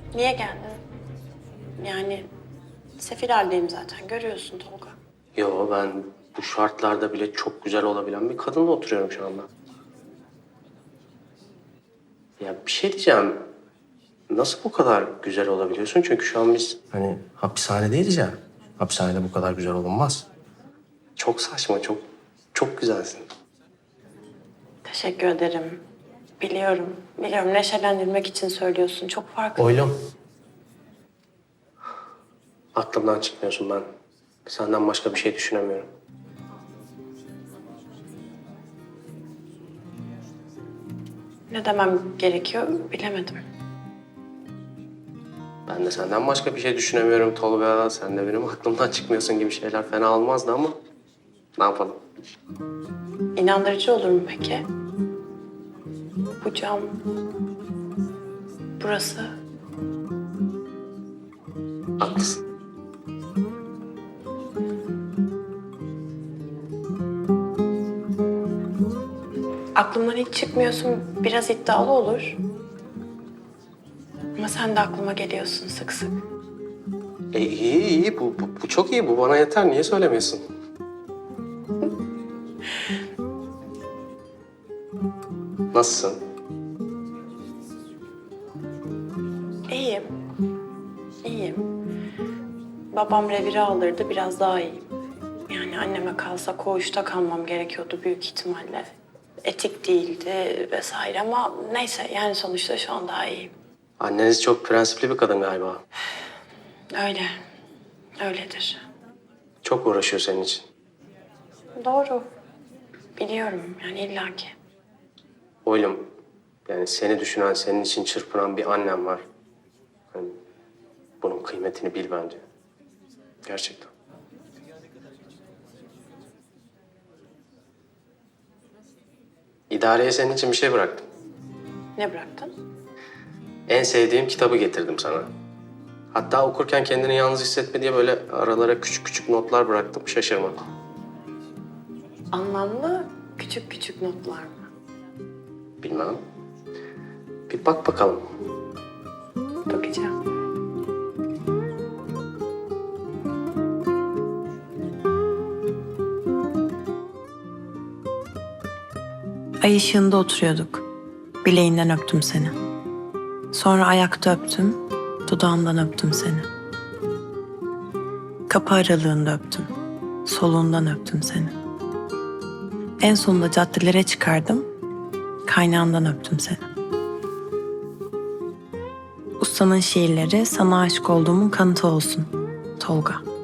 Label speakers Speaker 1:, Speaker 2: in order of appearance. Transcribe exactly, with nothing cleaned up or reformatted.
Speaker 1: Niye geldin? Yani sefil haldeyim zaten. Görüyorsun Tolga.
Speaker 2: Yo, ben bu şartlarda bile çok güzel olabilen bir kadınla oturuyorum şu anda. Ya bir şey diyeceğim. Nasıl bu kadar güzel olabiliyorsun? Çünkü şu an biz hani hapishanedeyiz ya. Hapishanede bu kadar güzel olunmaz. Çok saçma, çok çok güzelsin.
Speaker 1: Teşekkür ederim. Biliyorum. Biliyorum. Neşelendirmek için söylüyorsun. Çok farklı.
Speaker 2: Oylum. Aklımdan çıkmıyorsun ben. Senden başka bir şey düşünemiyorum.
Speaker 1: Ne demem gerekiyor bilemedim.
Speaker 2: Ben de senden başka bir şey düşünemiyorum Tolga. Sen de benim aklımdan çıkmıyorsun gibi şeyler fena olmazdı ama ne yapalım?
Speaker 1: İnandırıcı olur mu peki? Bu cam... Burası...
Speaker 2: Haklısın.
Speaker 1: Aklımdan hiç çıkmıyorsun. Biraz iddialı olur. Ama sen de aklıma geliyorsun sık sık.
Speaker 2: E, iyi iyi. Bu, bu, bu çok iyi. Bu bana yeter. Niye söylemiyorsun? Nasılsın?
Speaker 1: İyiyim. İyiyim. Babam revire aldırdı. Biraz daha iyiyim. Yani anneme kalsa koğuşta kalmam gerekiyordu büyük ihtimalle. Etik değildi vesaire ama neyse yani sonuçta şu an daha iyiyim.
Speaker 2: Anneniz çok prensipli bir kadın galiba.
Speaker 1: Öyle. Öyledir.
Speaker 2: Çok uğraşıyor senin için.
Speaker 1: Doğru. Biliyorum yani illaki.
Speaker 2: Oğlum, yani seni düşünen, senin için çırpınan bir annem var. Yani bunun kıymetini bil bence. Gerçekten. İdareye senin için bir şey bıraktım.
Speaker 1: Ne bıraktın?
Speaker 2: En sevdiğim kitabı getirdim sana. Hatta okurken kendini yalnız hissetme diye böyle aralara küçük küçük notlar bıraktım. Şaşırma.
Speaker 1: Anlamlı küçük küçük notlar mı?
Speaker 2: Bilmem. Bir bak bakalım.
Speaker 1: Bakacağım. Ay ışığında oturuyorduk. Bileğinden öptüm seni. Sonra ayakta öptüm, dudağından öptüm seni. Kapı aralığında öptüm, solundan öptüm seni. En sonunda caddelere çıkardım, kaynağından öptüm seni. Ustanın şiirleri sana aşık olduğumun kanıtı olsun, Tolga.